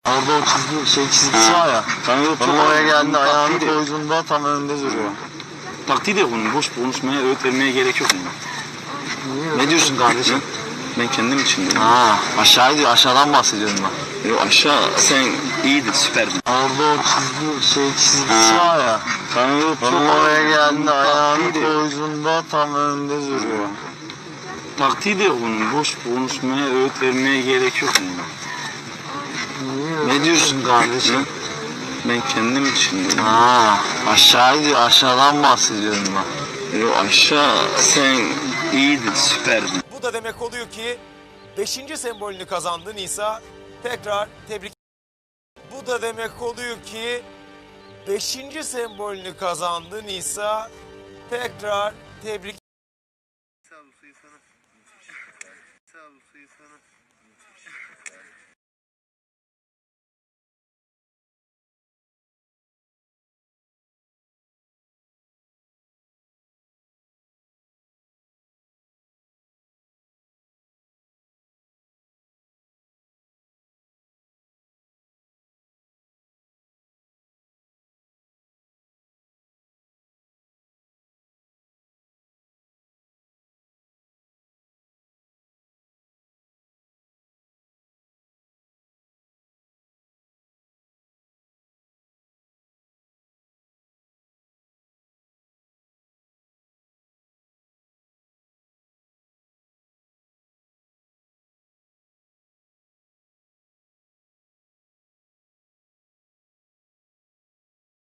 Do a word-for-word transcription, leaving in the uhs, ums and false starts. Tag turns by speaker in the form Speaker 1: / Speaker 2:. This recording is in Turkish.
Speaker 1: Orada o çizgi, şey çizgisi var ya. Onun oraya geldi, ayağını koyduğunda tam önünde duruyor.
Speaker 2: Taktiği de bunun. Boş konuşmaya, öğüt vermeye gerek yok.
Speaker 1: Ne diyorsun kardeşim?
Speaker 2: Ben kendim için diyorum.
Speaker 1: Ha, aşağı diyor, aşağıdan bahsediyorum ben.
Speaker 2: Yok aşağı sen iyiydin, süperdin.
Speaker 1: Orada o çizgi, şey çizgisi var ya. Onun oraya geldi, ayağını koyduğunda tam önünde duruyor.
Speaker 2: Taktiği de bunun. Boş konuşmaya, öğüt vermeye gerek yok.
Speaker 1: Ne diyorsun kardeşim?
Speaker 2: Ben kendim için diyorum.
Speaker 1: Ha, aşağı diyor, aşağıdan bahsediyorum ben.
Speaker 2: Yok aşağı sen iyiydin, süperdin.
Speaker 3: Bu da demek oluyor ki beşinci sembolünü kazandı Nisa. Tekrar tebrik. Bu da demek oluyor ki beşinci sembolünü kazandı Nisa. Tekrar tebrik.